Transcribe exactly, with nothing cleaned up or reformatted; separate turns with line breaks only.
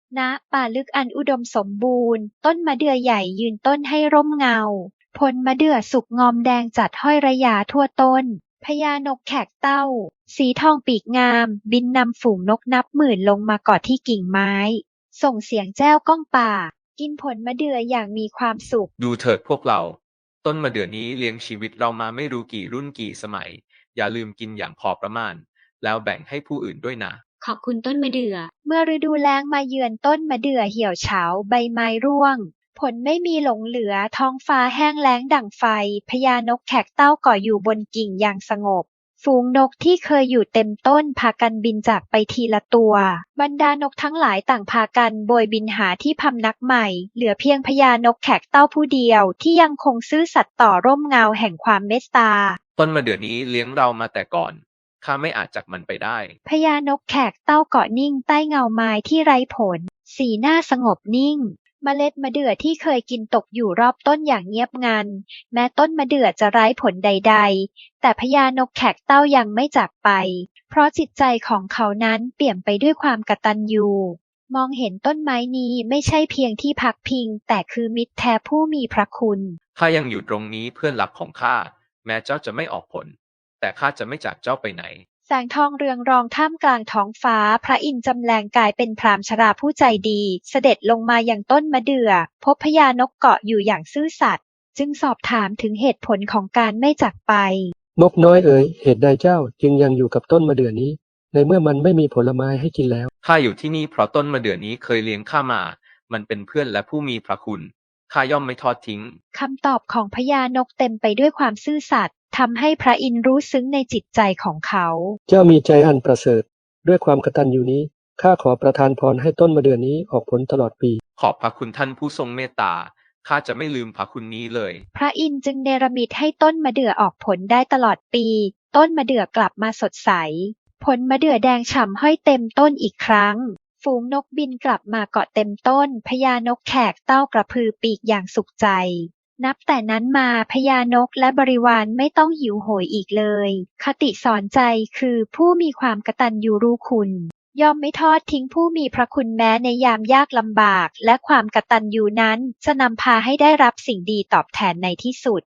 ณป่าลึกอันอุดมสมบูรณ์ต้นมะเดื่อใหญ่ยืนต้นให้ร่มเงาผลมะเดื่อสุกงอมแดงจัดห้อยระยาทั่วต้นพญานกแขกเต้าสีทองปีกงามบินนำฝูงนกนับหมื่นลงมาเกาะที่กิ่งไม้ส่งเสียงแจ้วก้องป่ากินผลมะเดื่ออย่างมีความสุข
ดูเถิดพวกเราต้นมะเดื่อนี้เลี้ยงชีวิตเรามาไม่รู้กี่รุ่นกี่สมัยอย่าลืมกินอย่างพอประมาณแล้วแบ่งให้ผู้อื่นด้วยนะ
ขอบคุณต้นมะเดื่อ
เมื่อฤดูแล้งมาเยือนต้นมะเดื่อเหี่ยวเฉาใบไม้ร่วงผลไม่มีหลงเหลือท้องฟ้าแห้งแล้งดั่งไฟพญานกแขกเต้าเกาะอยู่บนกิ่งอย่างสงบฝูงนกที่เคยอยู่เต็มต้นพากันบินจากไปทีละตัวบรรดานกทั้งหลายต่างพากันโบยบินหาที่พำนักใหม่เหลือเพียงพญานกแขกเต้าผู้เดียวที่ยังคงซื่อสัตย์ต่อร่มเงาแห่งความเมตตา
ต้นมะเดื่อนี้เลี้ยงเรามาแต่ก่อนข้าไม่อาจจากมันไปได้
พญานกแขกเต้าเกาะนิ่งใต้เงาไม้ที่ไร้ผลสีหน้าสงบนิ่งเมล็ดมะเดื่อที่เคยกินตกอยู่รอบต้นอย่างเงียบงันแม้ต้นมะเดื่อจะไร้ผลใดๆแต่พญานกแขกเต้ายังไม่จากไปเพราะจิตใจของเขานั้นเปี่ยมไปด้วยความกตัญญูมองเห็นต้นไม้นี้ไม่ใช่เพียงที่พักพิงแต่คือมิตรแท้ผู้มีพระคุณ
ข้ายังอยู่ตรงนี้เพื่อนรักของข้าแม้เจ้าจะไม่ออกผลแต่ข้าจะไม่จากเจ้าไปไหน
แสงทองเรืองรองท่ามกลางท้องฟ้าพระอินทร์จำแรงกายเป็นพราหมณ์ชราผู้ใจดีเสด็จลงมายังต้นมะเดื่อพบพญานกเกาะอยู่อย่างซื่อสัตย์จึงสอบถามถึงเหตุผลของการไม่จากไป
นกน้อยเอ๋ยเหตุใดเจ้าจึงยังอยู่กับต้นมะเดื่อนี้ในเมื่อมันไม่มีผลไม้ให้กินแล้ว
ข้าอยู่ที่นี่เพราะต้นมะเดื่อนี้เคยเลี้ยงข้ามามันเป็นเพื่อนและผู้มีพระคุณข้าย่อมไม่ทอดทิ้ง
คำตอบของพญานกเต็มไปด้วยความซื่อสัตย์ทำให้พระอินทร์รู้ซึ้งในจิตใจของเขา
เจ้ามีใจอันประเสริฐด้วยความกตัญญูนี้ข้าขอประทานพรให้ต้นมะเดื่อนี้ออกผลตลอดปี
ขอบพระคุณท่านผู้ทรงเมตตาข้าจะไม่ลืมพระคุณนี้เลย
พระอินทร์จึงเนรมิตให้ต้นมะเดื่อออกผลได้ตลอดปีต้นมะเดื่อกลับมาสดใสผลมะเดื่อแดงฉ่ำห้อยเต็มต้นอีกครั้งฝูงนกบินกลับมาเกาะเต็มต้นพญานกแขกเต้ากระพือปีกอย่างสุขใจนับแต่นั้นมาพญานกและบริวารไม่ต้องหิวโหยอีกเลยคติสอนใจคือผู้มีความกตัญญูรู้คุณย่อมไม่ทอดทิ้งผู้มีพระคุณแม้ในยามยากลำบากและความกตัญญูนั้นจะนำพาให้ได้รับสิ่งดีตอบแทนในที่สุด